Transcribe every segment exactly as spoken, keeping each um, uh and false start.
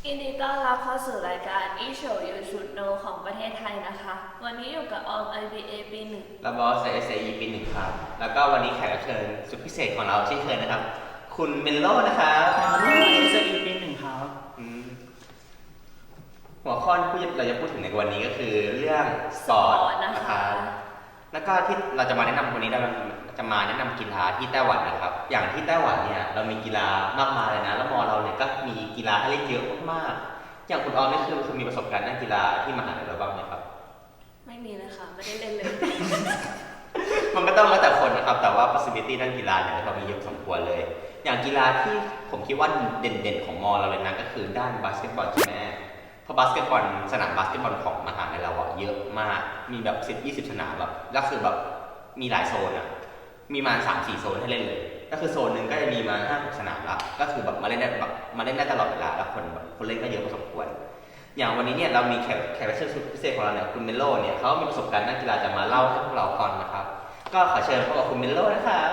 ยินดีต้อนรับเข้าสู่รายการอีโฉยูชุดโนของประเทศไทยนะคะ วันนี้อยู่กับออม ไอ บี เอ ปีหนึ่งและบอส เอส เอ อี ปีหนึ่งครับ แล้วก็วันนี้แขกรับเชิญสุดพิเศษของเราเช่นเคยนะครับ คุณเมนโลนะครับเอส อี ปีหนึ่งครับอืมหัวข้อที่เราจะพูดถึงในวันนี้ก็คือเรื่องสปอร์ตนะครับ แล้วก็ที่เราจะมาแนะนำวันนี้เราจะมาแนะนำกีฬาที่ไต้หวันนะครับ อย่างที่ไต้หวันเนี่ยเรามีกีฬามากมายเลยนะ แล้วมอเราเนี่ยก็มีกีฬาให้เล่นเยอะมากๆอย่างคุณออมนี่คือคือมีประสบการณ์ด้านกีฬาที่มหาลัยเราบ้างไหมครับไม่มีเลยค่ะ ไม่ได้เล่นเลยมันก็ต้องแล้วแต่คนนะครับ แต่ว่า possibility ด้านกีฬาเนี่ยเรามีเยอะสมควรเลย อย่างกีฬาที่ผมคิดว่าเด่นๆของมอเราเลยนะก็คือด้านบาสเกตบอลใช่ไหมเพราะบาสเกตบอลสนามบาสเกตบอลของมหาลัยเราอะเยอะมาก มีแบบสิบยี่สิบสนามแบบแล้วคือแบบมีหลายโซนอะมีมาสามสี่โซนให้เล่นเลย ก็คือโซนหนึ่งก็จะมีมาห้าหกสนามละก็คือแบบมาเล่นได้แบบมาเล่นได้ตลอดเวลาแล้วคนแบบคนเล่นก็เยอะพอสมควร อย่างวันนี้เนี่ยเรามีแขกแขกรับเชิญสุดพิเศษของเราเนี่ยคุณเมโลเนี่ยเขามีประสบการณ์ด้านกีฬาจะมาเล่าให้พวกเราฟังนะครับ ก็ขอเชิญพบกับคุณเมโลนะครับ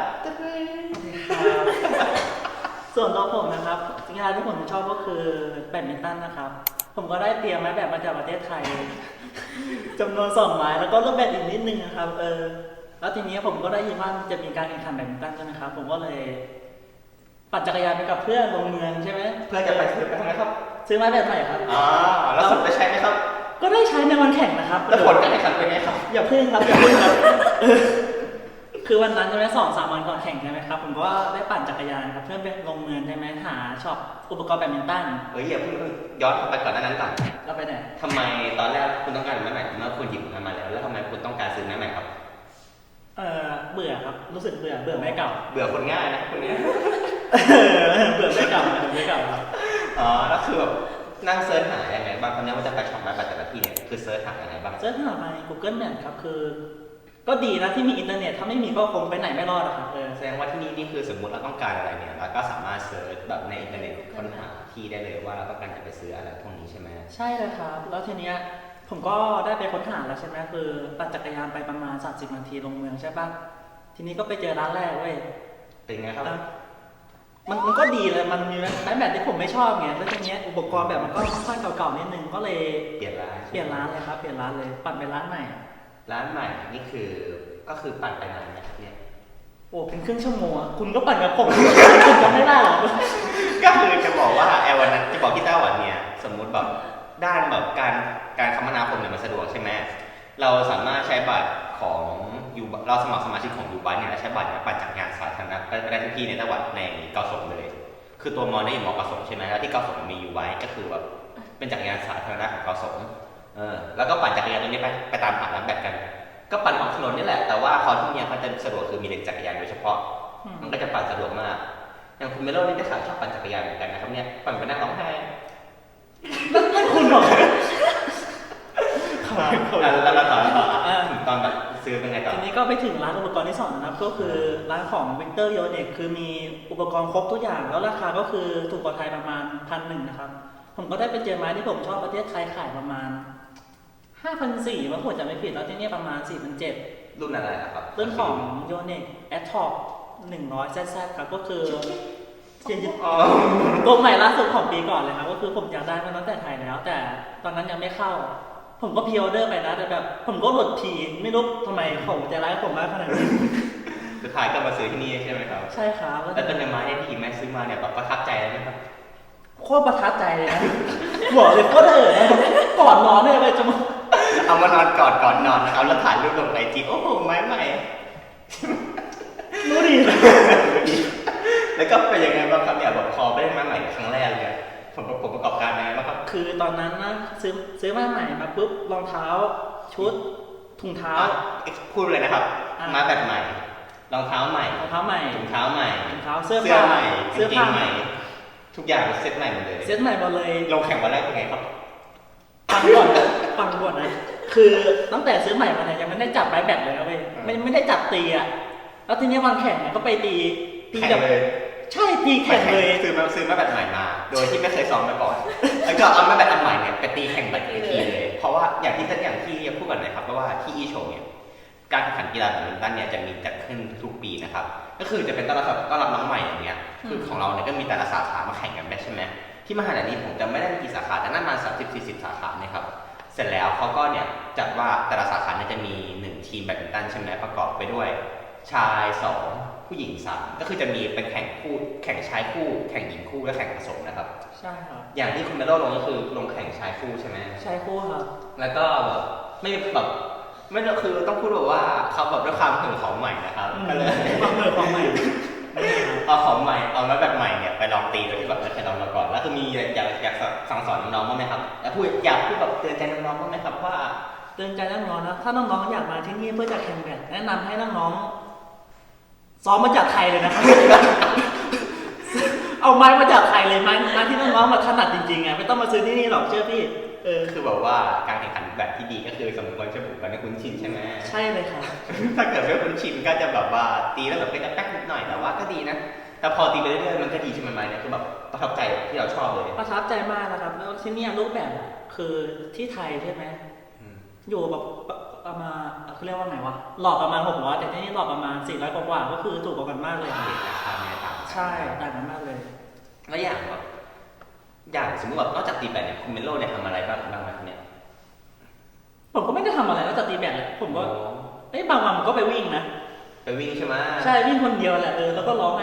ส่วนตัวผมนะครับกีฬาที่ผมชอบก็คือแบดมินตันนะครับ ผมก็ได้เตรียมไม้แบดมาจากประเทศไทยจำนวนสองไม้แล้วก็ลูกแบดอีกนิดนึงนะครับเออแล้วทีนี้ผมก็ได้ยินว่าจะมีการแข่งขันแบดมินตันใช่ไหมครับผมก็เลยปั่นจักรยานไปกับเพื่อนลงเมืองใช่ไหมเพื่อจะไปซื้อไปทำไมครับซื้อไม้แบดใหม่ครับอ๋อแล้วสุดได้ใช้ไหมครับก็ได้ใช้ในวันแข่งนะครับแล้วผลการแข่งขันเป็นไงครับอย่าพึ่งครับอย่าพึ่งครับคือวันนั้นใช่ไหมสองสามวันก่อนแข่งใช่ไหมครับผมก็ได้ปั่นจักรยานครับเพื่อนไปลงเมืองใช่ไหมหาช็อปอุปกรณ์แบดมินตันเฮ้ยอย่าเพิ่งย้อนไปก่อนหน้านั้นก่อนเราไปไหนทำไมตอนแรกคุณต้องการไม้ใหม่เมื่อคุณหยิบมันมาแล้วแล้วทำไมคุณต้องการซื้อไม้ใหม่ครับเออเบื่อครับรู้สึกเบื่อเบื่อไม้เก่าเบื่อคนง่ายนะคนนี้เบื่อไม้เก่าเบื่อไม้เก่าอ๋อแล้วคือแบบนั่งเซิร์ชหาอย่างไรบ้างคำนี้ว่าจะไปช็อปไม้แต่ละที่เนี่ยคือเซิร์ชหาอย่างไรบ้างเซิร์ชหาใน Google Map ครับคือก็ดีนะที่มีอินเทอร์เน็ตถ้าไม่มีก็คงไปไหนไม่รอดอะครับเออแสดงว่าที่นี่นี่คือสมมุติเราต้องการอะไรเนี่ยเราก็สามารถเซิร์ชแบบในอินเทอร์เน็ตค้นหาที่ได้เลยว่าเราต้องการจะไปซื้ออะไรพวกนี้ใช่ไหมใช่เลยครับแล้วทีเนี้ยผมก็ได้ไปค้นหาแล้วใช่ไหมคือปั่นจักรยานไปประมาณสามสิบนาทีลงเมืองใช่ปะทีนี้ก็ไปเจอร้านแรกเว้ยเป็นไงครับมันมันก็ดีเลยมันมีไม้แบดที่ผมไม่ชอบไงแล้วทีเนี้ยอุปกรณ์แบบมันก็ค่อนข้างเก่าๆนิดนึงก็เลยเปลี่ยนร้านเปลี่ยนร้านเลยครับเปลี่ยนร้านเลยปั่นไปร้านใหม่ร้านใหม่นี่คือก็คือปั่นไปนานนะครับเนี่ยโอ้เป็นครึ่งชั่วโมงคุณก็ปั่นกับผมคุณจำไม่ได้หรอก็คือจะบอกว่าแอร์วันนั้นจะบอกที่ไต้หวันเนี่ยสมมุติแบบด้านแบบการการคมนาคมเนี่ยมันสะดวกใช่ไหมเราสามารถใช้บัตรของยูเราสมัครสมาชิกของยูบัสเนี่ยใช้บัตรเนี่ยปั่นจักรยานสาธารณะไปได้ทุกที่ในไต้หวันในเกาสงเลย คือตัวมอเนี่ยอยู่มอเกาสงใช่ไหมแล้วที่เกาสงมียูบัสก็คือแบบเป็นจักรยานสาธารณะของเกาสงเออแล้วก็ปั่นจักรยานตรงนี้ไปไปตามหาร้านแบตกันก็ปั่นออกถนนนี่แหละแต่ว่าคอที่เนี่ยเขาจะสะดวกคือมีเลนจักรยานโดยเฉพาะมันก็จะปั่นสะดวกมากอย่างคุณเมโลนี่ได้ข่าวชอบปั่นจักรยานเหมือนกันนะครับเนี่ยปั่นไปนั่งร้องไห้นั่นคุณหรอแล้วเราต่อต่อถึงตอนแบบซื้อเป็นไงต่อทีนี้ก็ไปถึงร้านอุปกรณ์ที่สองนะครับก็คือร้านของวิกเตอร์โยเน็กคือมีอุปกรณ์ครบทุกอย่างแล้วราคาก็คือถูกกว่าไทยประมาณพันหนึ่งนะครับผมก็ได้ไปเจอไม้ที่ผมชอบประเทศไทยขายประมาณห้าพันสี่ว่าผมจะไม่ผิดแล้วที่นี่ประมาณสี่พันเจ็ดรุ่นอะไรครับรุ่นของโยเน็กแอทท็อปหนึ่งร้อยแซดครับก็คือตัวใหม่ล่าสุดของปีก่อนเลยครับก็คือผมอยากได้มาตั้งแต่ไทยแล้วแต่ตอนนั้นยังไม่เข้าผมก็พรีออเดอร์ไปนะแต่แบบผมก็หลุดทีไม่รู้ทำไมเขาจะร้ายผมมากขนาดนี้สุดท้ายก็มาซื้อที่นี่ใช่ไหมครับใช่ครับแล้วเป็นไม้เนี่ยที่แม่ซื้อมาเนี่ยแบบประทับใจเลยไหมครับโคตรประทับใจเลยนะบอกเลยโคตรเอ๋อนะก่อนนอนเนี่ยไปจะมาเอามานอนก่อนก่อนนอนนะครับแล้วถ่ายรูปลงไอจีโอ้โหไม้ใหม่รู้ดีแล้วก็เป็นยังไงบ้างครับเนี่ยแบบพอไปได้ไม้ใหม่ครั้งแรกเลยผมผมประกอบการยังไงบ้างครับคือตอนนั้นนะซื้อซื้อมาใหม่มาปุ๊บรองเท้าชุดถุงเท้าพูดเลยนะครับมาแบบใหม่รองเท้าใหม่รองเท้าใหม่ถุงเท้าใหม่ถุงเท้าเสื้อผ้าใหม่เสื้อผ้าใหม่ทุกอย่างเซ็ตใหม่หมดเลยเซ็ตใหม่หมดเลยลงแข่งวันแรกเป็นไงครับฟังก่อนฟังก่อนนะคือตั้งแต่ซื้อใหม่มาเนี่ยยังไม่ได้จับไม้แบตเลยนะเว้ยไม่ไม่ได้จับตีอ่ะแล้วทีนี้วันแข่งเนี่ยก็ไปตีตีแบบใช่ตีแข่งเลยซื้อมาซื้อมาแบบใหม่มาโดยที่ไม่เคยซ้อมมาก่อนแล้วก็เอามาแบบอันใหม่เนี่ยไปตีแข่งแบบอีกทีเลยเพราะว่าอย่างที่ท่านอย่างที่พูดกันนะครับเพราะว่าที่อีโชเนี่ยการแข่งขันกีฬาแบดมินตันเนี่ยจะมีจัดขึ้นทุกปีนะครับก็คือจะเป็นต้อนรับต้อนรับน้องใหม่อย่างเงี้ยคือของเราเนี่ยก็มีแต่ละสาขามาแข่งกันได้ใช่ไหมทที่มหาลัยนี้ผมจำไม่ได้มีกี่สาขาแต่น่ามาสามสิบสี่สิบสาขาเนี่ยครับเสร็จแล้วเขาก็เนี่ยจัดว่าแต่ละสาขาเนี่ยจะมีหนึ่งทีมแบดมินตันใช่ไหมประกอบไปด้วย ชายสองผู้หญิงสามก็คือจะมีเป็นแข่งคู่แข่งชายคู่แข่งหญิงคู่และแข่งผสมนะครับใช่ครับอย่างที่คุณเมโลลงก็คือลงแข่งชายคู่ใช่ไหมชายคู่ครับแล้วก็แบบไม่แบบไม่คือต้องพูดแบบว่าเขาแบบด้วยความถึงของใหม่นะครับก็เลยความเหนื่อยของใหม่เอาของใหม่เอามาแบบใหม่เนี่ยไปลองตีโดยที่แบบไม่เคยลองมาก่อนแล้วคือมีอยากอยากสั่งสอนน้องๆบ้างไหมครับแล้วพูดอยากพูดแบบเตือนใจน้องๆบ้างไหมครับว่าเตือนใจน้องๆนะถ้าน้องๆอยากมาที่นี่เพื่อจะแข่งแบดแนะนำให้น้องๆซ้อมมาจากไทยเลยนะครับ เอาไม้มาจากไทยเลยไม้ไม้ที่น้องๆมาถนัดจริงๆไงไม่ต้องมาซื้อที่นี่หรอกเชื่อพี่เออคือแบบว่าการแข่งขันแบบที่ดีก็คือสมควรจะบุกกันให้คุ้นชินใช่ไหมใช่เลยค่ะถ้าเกิดไม่คุ้นชินก็จะแบบว่าตีแล้วแบบเป็นแป๊กนิดหน่อยแต่ว่าก็ดีนะแต่พอตีไปเรื่อยๆมันก็ดีใช่ไหมไม้เนี่ยคือแบบประทับใจที่เราชอบเลยประทับใจมากนะครับแล้วที่นี่รูปแบบคือที่ไทยใช่ไหมอยู่แบบประมาณเขาเรียกว่าไงวะหลอกประมาณหกร้อยแต่ที่นี่หลอกประมาณสี่ร้อยกว่าก็คือถูกกว่ากันมากเลยราคาไม่ต่างใช่ต่างกันมากเลยแล้วอย่างแบบอย่างสมมติว่านอกจากตีแบดเนี่ยคุณเมโลเนี่ยทำอะไรบ้างบ้างไหมเนี่ยผมก็ไม่ได้ทำอะไรนอกจากตีแบดเลยผมก็เอ้ยบางวันผมก็ไปวิ่งนะไปวิ่งใช่ไหมใช่วิ่งคนเดียวแหละเออแล้วก็ร้องไห้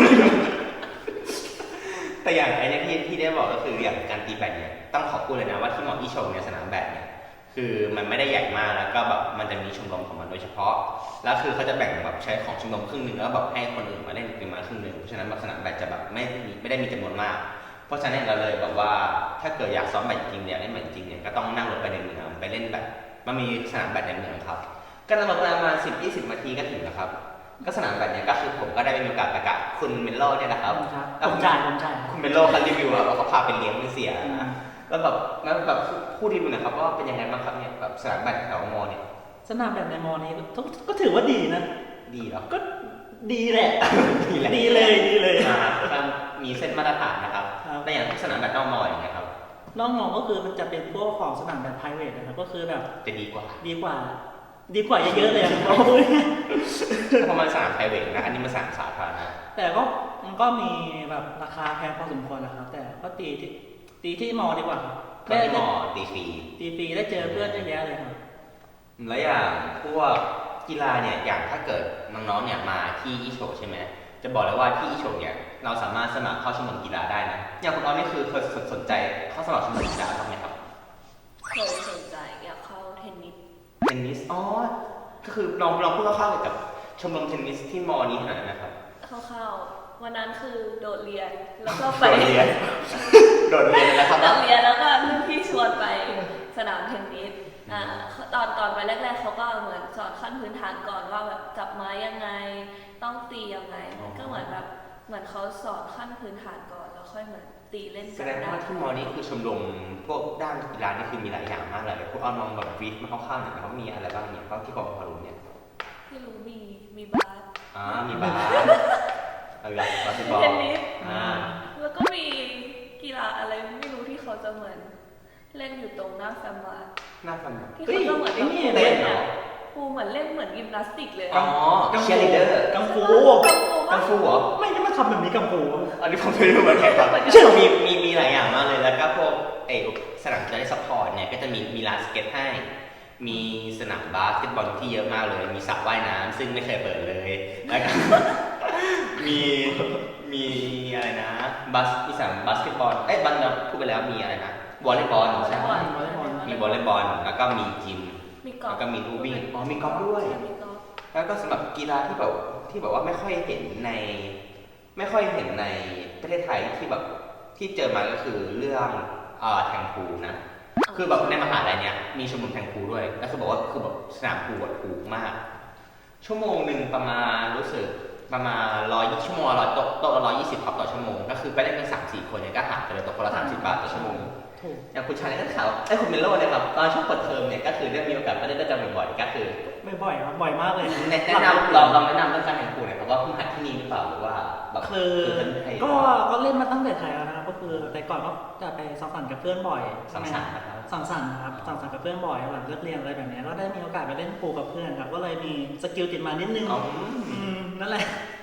แต่อย่างไอ้เนี่ยที่ที่ได้บอกก็คืออย่างการตีแบดเนี่ยต้องขอบคุณเลยนะว่าที่หมอที่ชมเนี่ยสนามแบดเนี่ยคือมันไม่ได้ใหญ่มากแล้วก็แบบมันจะมีชมรมของมันโดยเฉพาะแล้วคือเขาจะแบ่งแบบใช้ของชมรมครึ่งนึงแล้วแบบให้คนอื่นมาเล่นเป็นมาครึ่งนึงเพราะฉะนั้นแบบสนามแบดจะแบบไม่ไม่ได้มีจำนวนมากเพราะฉะนั้นเราเลยแบบว่าถ้าเกิดอยากซ้อมแบดจริงเนี่ยเล่นแบดจริงเนี่ยก็ต้องนั่งรถไปในเมืองไปเล่นแบบมันมีสนามแบดในเมืองครับก็นั่งรถประมาณสิบยี่สิบนาทีก็ถึงแล้วครับก็สนามแบดเนี่ยก็คือผมก็ได้มีโอกาสไปกับคุณเมโลเนี่ยนะครับผมจ่ายผมจ่ายคุณเมโลเขารีวิวว่าเขาพาไปเลี้ยงไม่เสียนะแล้วแบบแล้วแบบพูดรีวิวนะครับว่าเป็นยังไงบ้างครับเนี่ยแบบสนามแบดแถวมอเนี่ยสนามแบดในมอนี้ก็ถือว่าดีนะดีเหรอก็ดีแหละดีแหละดีเลยดีเลยมีเส้นมาตรฐานนะครับแต่อย่างที่สนามแบดนอกมออย่างเงี้ยครับนอกมอก็คือมันจะเป็นพวกของสนามแบด private นะครับก็คือแบบจะดีกว่าดีกว่าดีกว่าเยอะๆเลยเพราะมันสนาม private นะอันนี้มันสนามสาธารณะแต่ก็มันก็มีแบบราคาแพงพอสมควรนะครับแต่ก็ตีที่ตีที่มอดีกว่าได้มอตีฟรีตีฟรีได้เจอเพื่อนเยอะแยะเลยครับแล้วอย่างพวกกีฬาเนี่ยอย่างถ้าเกิดน้องๆเนี่ยมาที่อีโฉใช่ไหมจะบอกเลยว่าที่อีโฉเนี่ยเราสามารถสมัครเข้าชมรมกีฬาได้นะอย่างคุณออมนี่คือเคยสนใจเข้าสมัครชมรมกีฬาบ้างไหมครับเคยสนใจอยากเข้าเทนนิสเทนนิสอ๋อก็คือลองลองพูดคร่าวๆเกี่ยวกับชมรมเทนนิสที่มอนี้หน่อยนะครับคร่าวๆวันนั้นคือโดดเรียนแล้วก็ไปโดดเรียนโดดเรียนนะครับโดดเรียนแล้วก็รุ่นพี่ชวนไปสนามเทนนิสอ่าตอนตอนไปแรกๆเขาก็เหมือนสอนขั้นพื้นฐานก่อนว่าแบบจับไม้ยังไงต้องตียังไงก็เหมือนแบบเหมือนเขาสอนขั้นพื้นฐานก่อนแล้วค่อยเหมือนตีเล่นแสดงว่าที่มอนี้คือชมรมพวกด้านกีฬานี่คือมีหลายอย่างมากเลยพวกเอาน้องแบบฟีดมาเข้าๆหน่อยนะครับมีอะไรบ้างเนี่ยก็ที่ผมพอรู้เนี่ยที่รู้มีมีบาสอ่ามีบาสอะไรบาสเทนนิสอ่าแล้วก็มีกีฬาอะไรไม่รู้ที่เขาจะเหมือนเล่นอยู่ตรงหน้าแฟมบาร์หน้าแฟมบาร์ที่เขาจะเหมือนเล่นเนี่ยครูเหมือนเล่นเหมือนยิมนาสติกเลยอ๋อเชียร์ลีดเดอร์กังฟูกังฟูเหรอไม่ได้มาทำแบบนี้กังฟูอันนี้ผมไม่รู้เหมือนกันครับมีมีมีหลายอย่างมากเลยแล้วก็พวกไอสนามกีฬาซัพพอร์ตเนี่ยก็จะมีมีลานสเก็ตให้มีสนามบาสเกตบอลที่เยอะมากเลยมีสระว่ายน้ำซึ่งไม่เคยเปิดเลยแล้วก็มีมีอะไรนะบาสมีสนามบาสเกตบอลเอ้ยบอลเราพูดไปแล้วมีอะไรนะวอลเลย์บอลใช่ไหมมีวอลเลย์บอลแล้วก็มียิมแล้วก็มีลู่วิ่งอ๋อมีกอล์ฟด้วยแล้วก็สำหรับกีฬาที่แบบที่แบบว่าไม่ค่อยเห็นในไม่ค่อยเห็นในประเทศไทยที่แบบที่เจอมาก็คือเรื่องเอ่อแทงพูลนะคือแบบในมหาลัยเนี้ยมีชมรมแทงพูลด้วยแล้วคือบอกว่าคือแบบสนามพูลแบบถูกมากชั่วโมงหนึ่งประมาณรู้สึกประมาณร้อยชั่วโมงร้อยโต๊ะโต๊ะละร้อยยี่สิบครับต่อชั่วโมงก็คือไปได้กันสามสี่คนเนี่ยก็หารกันเลยตกคนละสามสิบบาทต่อชั่วโมงอย่างคุณชายก็ข่าวไอ้คุณเมโลเนี่ยครับตอนช่วงเปิดเทอมเนี่ยก็คือได้มีโอกาสไปเล่นด้วยกันบ่อยๆก็คือไม่บ่อยครับบ่อยมากเลยแนะนำลองลองแนะนำเรื่องการแข่งขันหน่อยครับว่าเพิ่งหัดที่นี่หรือเปล่าหรือว่าแบบคือก็ก็เล่นมาตั้งแต่ไทยแล้วนะครับก็คือแต่ก่อนก็จะไปสังสรรค์กับเพื่อนบ่อยสังสรรค์นะครับสังสรรค์ครับสังสรรค์กับเพื่อนบ่อยหลังเลิกเรียนอะไรแบบนี้ก็ได้มีโอกาสไปเล่นพูลกับเพื่อนครับก็เลยมีสกิลติดมานิดนึงนั่นแหละ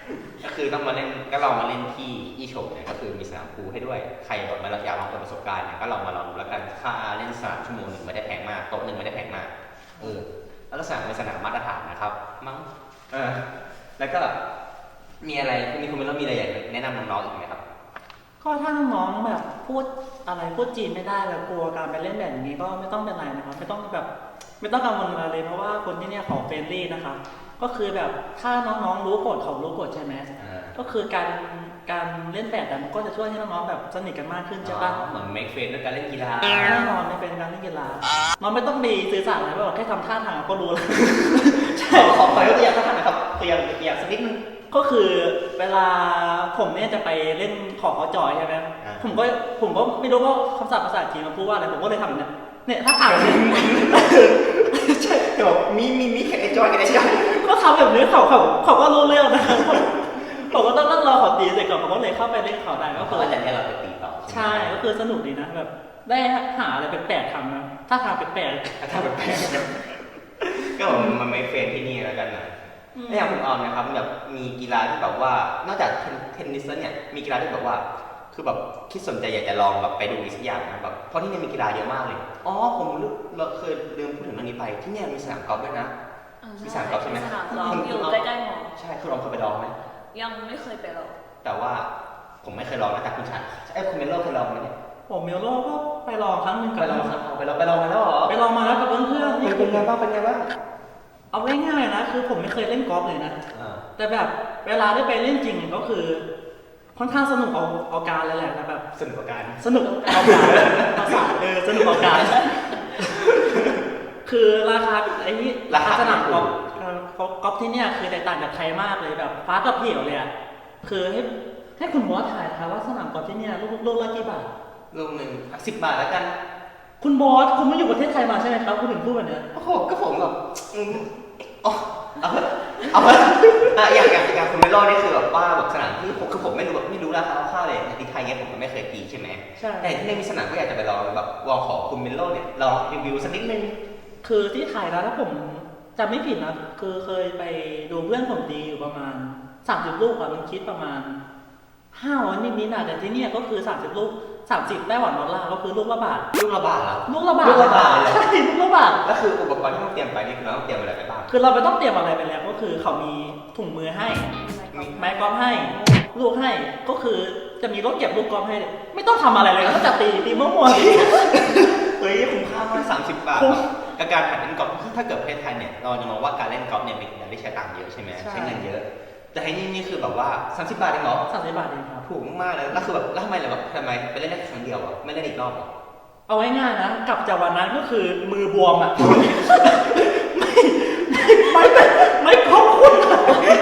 ก็คือต้องมาเล่นก็ลองมาเล่นที่อีโฉมเนี่ยก็คือมีสนามพูลให้ด้วยใครแบบมาอยากลองเปิดประสบการณ์เนี่ยก็ลองมาลองดูแล้วกันค่าเล่นสนามชั่วโมงหนึ่งไม่ได้แพงมากโต๊ะหนึ่งไม่ได้แพงมากเออแล้วก็สนามเป็นสนามมาตรฐานนะครับมั้งเออแล้วก็มีอะไรคุณมีคุณเป็นแล้วมีอะไรอยากแนะนำน้องๆอีกไหมครับก็ถ้าน้องๆแบบพูดอะไรพูดจีนไม่ได้แล้วกลัวการไปเล่นแบบนี้ก็ไม่ต้องเป็นไรนะครับไม่ต้องแบบไม่ต้องกังวลอะไรเลยเพราะว่าคนที่เนี่ยเขาเฟรนลี่นะครับก็คือแบบถ้าน้องๆรู้กฎเขารู้กฎใช่ไหมอ่าก็คือการการเล่นแบบมันก็จะช่วยให้น้องๆแบบสนิทกันมากขึ้นใช่ปะเหมือนเมคเฟนด้วยการเล่นกีฬาแน่นอนมันเป็นการเล่นกีฬาน้องไม่ต้องมีสื่อสารอะไรหรอกแค่ทำท่าทางก็รู้แล้ว ใช่ขอขอยกตัวอย่างสักท่านนะครับตัวอย่างตัวอย่างสักนิดนึงก็คือเวลาผมเนี่ยจะไปเล่นขอเขาจอยใช่ไหมอ่าผมก็ผมก็ไม่รู้ว่าคำศัพท์ภาษาจีนมันพูดว่าอะไรผมก็เลยทำแบบเนี้ยเนี่ยถ้าอ่านเนี่ยใช่เดี๋ยวมีมีมีแค่ไอจอยกับไอจอยก็ทำแบบนี้เขาเขาเขาก็รู้เรื่องนะครับ ผมก็ต้องนั่งรอเขาตีเสร็จก่อนผมก็เลยเข้าไปเล่นเขาได้ก็ก็คืคืออว่าจะเนี่ยเราไปตีต่อใช่ก็คือสนุกดีนะแบบได้หาอะไรแปลกๆทำนะถ้าทางแปลกถ้าแบบแปลกๆก็มันไม่เฟนที่นี่แล้วกันนะๆอืมแล้วอย่างคุณออมนะครับแบบมีกีฬาที่แบบว่านอกจากเทนนิสแล้วเนี่ยมีกีฬาที่แบบว่า คือแบบคิดสนใจอยากจะลองแบบไปดูอีกสักอย่างนะแบบเพราะที่นี่มีกีฬาเยอะมากเลยอ๋อผมรู้เราเคยลืมพูดถึงเรื่องนี้ไปที่เนี่ยมีสนามกอล์ฟด้วยนะอ่ามีสนามกอล์ฟใช่ไหมสนามกอล์ฟอยู่ใกล้ๆหมอใช่คุณลองเคยไปลองไหมยังไม่เคยไปหรอกแต่ว่าผมไม่เคยลองนะแต่คุณชายไอ้ยคุณเมโลเคยลองไหมเนี่ยผมเมลโลก็ไปลองครั้งหนึ่งไปกับลองครับไปลองไปลองมาแล้วเหรอไปลองมาแล้วกับเพื่อนๆนี่เป็นไงบ้างเป็นไงบ้างเอาง่ายๆนะคือผมไม่เคยเล่นกอล์ฟเลยนะอ่าแต่แบบเวลาได้ไปเล่นจริงก็คือ ค่อนข้างสนุกเอาเอาการเลยแหละแต่แบบสนุกกับการสนุกเอาการภาษาเออสนุกเอาการ คือราคาไอ้นี่ราคาสนามกอล์ฟเอ่อกอล์ฟที่เนี่ยคือแตกต่างจากไทยมากเลยแบบฟ้ากับเหวเลยอ่ะคือให้ให้คุณบอสถ่ายนะคะว่าสนามกอล์ฟที่เนี่ยลูกลูกละกี่บาทลูกหนึ่งสิบบาทแล้วกันคุณบอสคุณไม่อยู่ประเทศไทยมาใช่ไหมครับคุณถึงพูดแบบเนี้ยโอ้โหก็ผมแบบอืมอ๋อเอาเถอะเอาเถอะอ่ะอย่างอย่างอย่างคุณเมโลนี่คือแบบว่าแบบสนามที่ผมคือผมไม่รู้แบบไม่รู้ราคาคร่าวๆเลยในที่ไทยเนี่ยผมก็ไม่เคยตีใช่ไหมใช่แต่ที่นี่มีสนามก็อยากจะไปลองแบบลองขอคุณเมโลเนี่ยลองรีวิวสักนิดนึงคือที่ไทยแล้วถ้าผมจำไม่ผิดนะคือเคยไปดูเพื่อนผมตีอยู่ประมาณสามสิบลูกอะมันคิดประมาณห้าร้อยนิดๆนะแต่ที่เนี่ยก็คือสามสิบลูกสามสิบไต้หวันดอลลาร์ก็คือลูกละบาทลูกละบาทเหรอลูกละบาทลูกละบาทเลยเหรอใช่ลูกละบาทก็คืออุปกรณ์ที่ต้องเตรียมไปนี่คือเราต้องเตรียมอะไรไปบ้างคือเราไม่ต้องเตรียมอะไรไปแล้วก็คือเขามีถุงมือให้มีไม้กอล์ฟให้ ลูกให้ก็คือจะมีรถเก็บลูกกอล์ฟให้ ไม่ต้องทำอะไรเลยก็จะตีตีมั่วๆเฮ้ยคุ้มค่ามากสามสิบบาทคุ้มกับการหัดเล่นกอล์ฟถ้าเกิดประเทศไทยเนี่ยเราจะมองว่าการเล่นกอล์ฟเนี่ยเป็นการที่ใช้ตังค์เยอะใช่ไหมใช่ใช้เงินเยอะ แต่ที่นี่นี่คือแบบว่าสามสิบบาทเองเหรอสามสิบบาทเองครับถูกมากเลยแล้วคือแบบแล้วทำไมล่ะแบบทำไมไปเล่นได้ครั้งเดียวอ่ะไม่เล่นอีกรอบเหรอเอาง่ายๆนะกลับจากวันนั้นก็คือมือบวมอ่ะ ไม่ไม่ไม่ขอบคุณอะ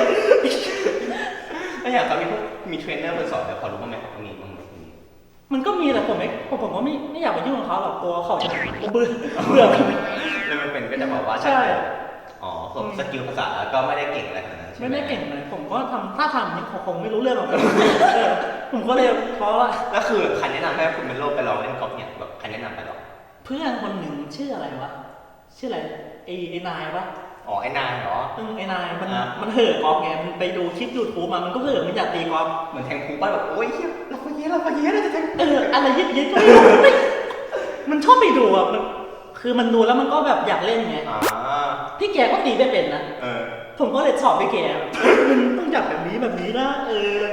แล้วอย่างเขามีพวกมีเทรนเนอร์คนสอนแต่พอรู้บ้างไหมครับว่ามีบ้างไหมมีมันก็มีแต่ผมไม่ผมผมก็ไม่ไม่อยากไปยุ่งกับเขาหรอกกลัวเขาจะเบื่อเบื่อแล้วมันเป็นก็จะบอกว่าใช่อ๋อผมสกิลภาษาก็ไม่ได้เก่งอะไรขนาดนั้นใช่หไม่ได้เก่งเลยผมก็ทำถ้าทำนี่คงไม่รู้เรื่องหรอก เออผมก็เลยเพราะว่าแล้วคือใครแนะนำให้คุณเป็นโลกไปลองเล่นกอล์ฟเนี่ยแบบใครแนะนำไปหรอเพื่อนคนหนึ่งชื่ออะไรวะชื่ออะไรไอ้ไอ้นายปะอ๋อไอ้นายเหรอเออไอ้นายมันอ่ามันเห่อกอล์ฟไงมันไปดูคลิปยูทูบมามันก็เห่อมันอยากตีกอล์ฟเหมือนแทงพูบ้านแบบโอ้ยเฮียเราไปเยอะเราไปเยอะเราจะแทงเอออะไรยิบยิบก็ไม่รู้ไม่มันชอบไปดูอ่ะมันคือมันดูแล้วมันก็แบบอยากเล่นไงอ่าพี่แกก็ตีไม่เป็นนะเออผมก็เลยสอบพี่แกแบบเอ้ยมันต้องจับแบบนี้แบบนี้นะเออ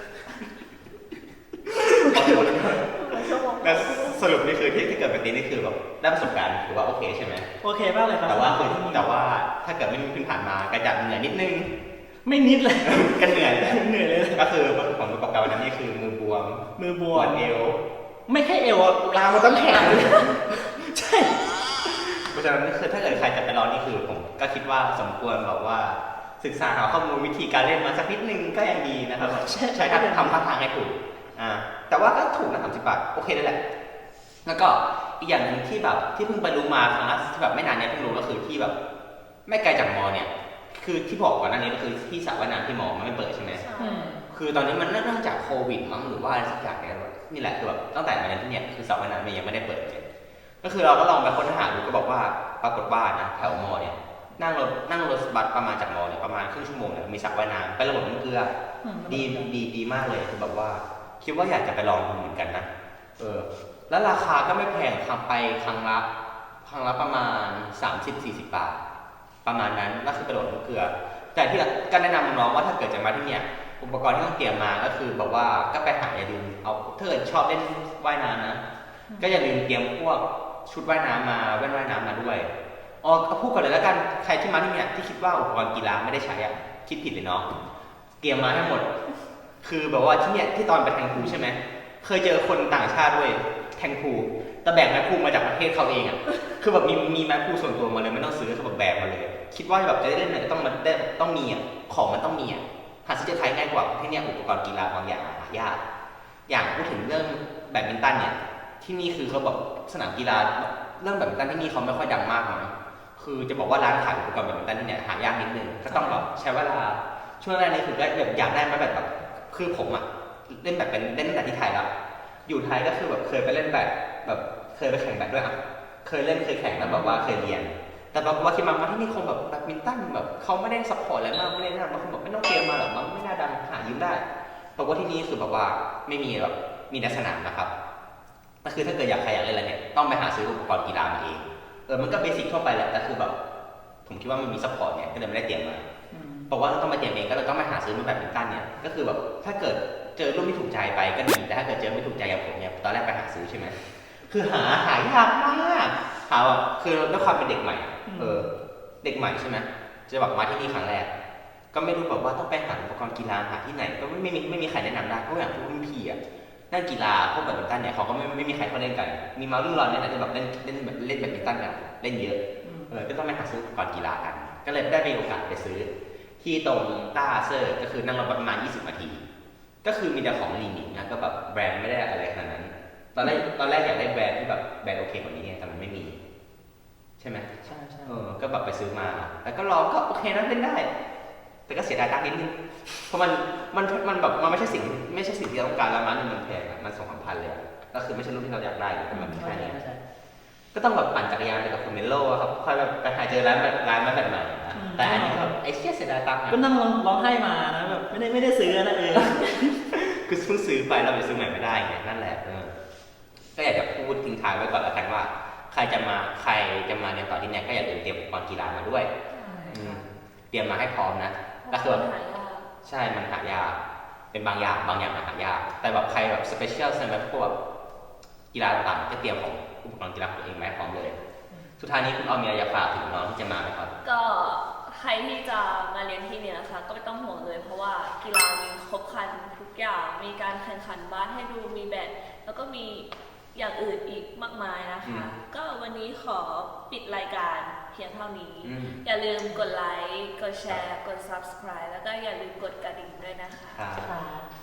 แล้วสรุปนี่คือที่ที่เกิดแบบนี้นี่คือแบบได้ประสบการณ์ถือว่าโอเคใช่ไหมโอเคมากเลยครับแต่ว่าคือแต่ว่าถ้าเกิดไม่มีพื้นฐานมาก็จะเหนื่อยนิดนึงไม่นิดเลยก็เหนื่อยแหละเหนื่อยเลยก็คือผลประกอบการวันนั้นนี่คือมือบวมมือบปววมดเอวไม่แค่เอวอะลามมาตั้งแขนเลยใช่เพราะฉะนั้นนี่คือถ้าเกิดใครจะไปลองนี่คือผมก็คิดว่าสมควรแบบว่าศึกษาหาข้อมูลวิธีการเล่นมาสักนิดนึงก็ยังดีนะครับใช่ใช้ทำทำท่าทางให้ถูกอ่าแต่ว่าก็ถูกนะสามสิบบาทโอเคได้แหละ แล้วก็อีกอย่างหนึ่งที่แบบที่เพิ่งไปรู้มาครั้งล่าสุดที่แบบไม่นานเนี้ยเพิ่งรู้ก็คือที่แบบไม่ไกลจากมอเนี่ย คือที่บอกก่อนหน้านี้ก็คือที่สระว่ายน้ำที่มอมันไม่เปิดใช่ไหมอืมคือตอนนี้มันเนื่องจากโควิดมั้งหรือว่าอะไรสักอย่างเนี่ยนี่แหละคือแบบตั้งแต่มาเรียนที่เนี่ยคือสระว่ายน้ำเนี่ยยังไม่ได้เปิดเลยก็คือเราก็ลองไปค้นหาดูก็บอกว่าปรากฏว่านะแถวมอเนี่ยนั่งรถนั่งรถบัสประมาณจากมอเนี่ยประมาณครึ่งชั่วโมงเนี่ยมีสระว่ายน้ำเป็นระบบน้ำเกลืออืมดีดีดีมากเลยคือแบบว่าคิดว่าอยากจะไปลองดูเหมือนกันนะเออแล้วราคาก็ไม่แพงครั้งไปครั้งละครั้งละประมาณ สามสิบถึงสี่สิบ บาทประมาณนั้นก็คือกระโดดน้ำเกลือแต่ที่ก็แนะนำน้องว่าถ้าเกิดจะมาที่เนี่ยอุปกรณ์ที่ต้องเตรียมมาก็คือแบบว่าก็ไปหาอย่าลืมเอาถ้าเกิดชอบเล่นว่ายน้ำนะก็อย่าลืมเตรียมพวกชุดว่ายน้ำมาแว่นว่ายน้ำมาด้วยอ๋อพูดก่อนเลยแล้วกันใครที่มาที่เนี่ยที่คิดว่าอุปกรณ์กีฬาไม่ได้ใช้อะคิดผิดเลยเนาะเตรียมมาให้หมดคือแบบว่าที่เนี่ยที่ตอนไปแทงพูใช่ไหมเคยเจอคนต่างชาติด้วยแทงพูแต่แบกไม้พูมาจากประเทศเขาเองอะคือแบบมีมีไม้พูส่วนตัวมาเลยไม่ต้องซื้อคือแบบแบกมาเลยคิดว่าแบบจะได้เล่นเนี่ยต้องมันได้ต้องมีอะของมันต้องมีอะหาซื้อที่ไทยง่ายกว่าที่เนี่ยอุปกรณ์กีฬาบางอย่างหายากอย่างพูดถึงเรื่องแบดมินตันเนี่ยที่นี่คือเขาแบบสนามกีฬาเรื่องแบดมินตันที่นี่เขาไม่ค่อยดังมากนะคือจะบอกว่าร้านขายอุปกรณ์แบดมินตันที่เนี่ยหายากนิดนึงก็ต้องแบบใช้เวลาช่วงแรกนี่คือก็แบบอยากได้มาแบบแบบคือผมอะเล่นแบบเป็นเล่นตั้งแต่ที่ไทยแล้วอยู่ไทยก็คือแบบเคยไปเล่นแบบแบบเคยไปแข่งแบบด้วยอะเคยเล่นเคยแข่งแล้วแบบว่าเคยเรียนแต่แบบว่าคิดมาว่าที่นี่คงแบบแบดมินตันแบบเขาไม่ได้ซัพพอร์ตอะไรมากไม่ได้นะบางคนบอกไม่ต้องเตรียมมาหรอกมันไม่น่าดังหายืมได้เพราะว่าที่นี่คือแบบว่าไม่มีแบบมีแต่สนามนะครับก็คือถ้าเกิดอยากใครอยากเล่นอะไรเนี่ยต้องไปหาซื้ออุปกรณ์กีฬามาเองเออมันก็เบสิกทั่วไปแหละแต่คือแบบผมคิดว่ามันมีซัพพอร์ตเนี่ยก็เลยไม่ได้เตรียมมาเพราะว่าเราต้องมาเตรียมเองก็เลยต้องมาหาซื้อมาแบดมินตันเนี่ยก็คือแบบถ้าเกิดเจอรุ่นที่ถูกใจไปก็ดีแต่ถ้าเกิดเจอไม่ถูกใจอย่างผมเนี่ยตอนแรกไปหาซื้อใช่ไหมคือหาหายากมากหาแบบคือด้วยความเป็นเด็กใหม่เออเด็กใหม่ใช่ไหมจะแบบมาที่นี่ครั้งแรกก็ไม่รู้แบบว่าต้องไปหาอุปกรณ์กีฬาหาที่ไหนก็ไม่ไม่มีไม่มีใครแนะนำได้เพราะอย่างพวกรุ่นพี่อ่ะด้านกีฬาพวกแบดมินตันเนี่ยเขาก็ไม่ไม่มีใครเขาเล่นกันมีมารุ่นเราเนี่ยนะที่แบบเล่นเล่นแบบเล่นแบดมินตันกันเล่นเยอะเออก็ต้องไปหาซื้ออุปกรณ์กีฬากันก็เลยได้มีโอกาสไปซื้อที่ตรงต้าเซอร์ก็คือนั่งรถประมาณยี่สิบนาทีก็คือมีแต่ของลีนิงนะก็แบบแบรนด์ไม่ได้อะไรขนาดนั้นตอนแรกตอนแรกอยากได้แบรนด์ที่แบบแบรนด์โอเคกว่านี้ไงแต่มันไม่มีใช่ไหมใช่ใช่เออก็แบบไปซื้อมาแล้วก็ลองก็โอเคนะเล่นได้แต่ก็เสียดายตังค์นิดนึงเพราะมันมันมันแบบมันไม่ใช่สิ่งไม่ใช่สิ่งที่เราต้องการแล้วมันมันแพงอะมันสองสามพันเลยก็คือไม่ใช่รุ่นที่เราอยากได้แต่มันมีแค่นี้ก็ต้องแบบปั่นจักรยานไปกับคุณเมโล่ครับค่อยแบบไปหาเจอร้านแบบร้านมาแบบใหม่นะแต่อันนี้แบบไอ้เชี่ยเสียดายตังค์ก็นั่งร้องไห้มานะแบบไม่ได้ไม่ได้ซื้อนะเออคือเพิ่งซื้อไปเราไปซื้อใหม่ไม่ได้ไงนั่นแหละเออก็อยากจะพูดทิ้งท้ายไว้ก่อนแล้วกันว่าใครจะมาใครจะมาในตอนที่เนี่ยก็อย่าลืมเตรียมอุปกรณ์กีฬามาด้วยเตรียมมาให้พร้อมนะก็คือใช่มันหายากเป็นบางอย่างบางอย่างมันหายากแต่แบบใครแบบสเปเชียลสำหรับพวกกีฬาต่างๆก็เตรียมของอุปกรณ์กีฬาตัวเองมาให้พร้อมเลยสุดท้ายนี้คุณออมมีอะไรอยากฝากถึงน้องที่จะมาไหมครับก็ใครที่จะมาเรียนที่เนี่ยนะคะก็ไม่ต้องห่วงเลยเพราะว่ากีฬามีครบครันทุกอย่างมีการแข่งขันบาสให้ดูมีแบดแล้วก็มีอย่างอื่นอีกมากมายนะคะก็วันนี้ขอปิดรายการเพียงเท่านี้อย่าลืมกดไลค์กดแชร์กด ซับสไครบ์ แล้วก็อย่าลืมกดกระดิ่งด้วยนะคะ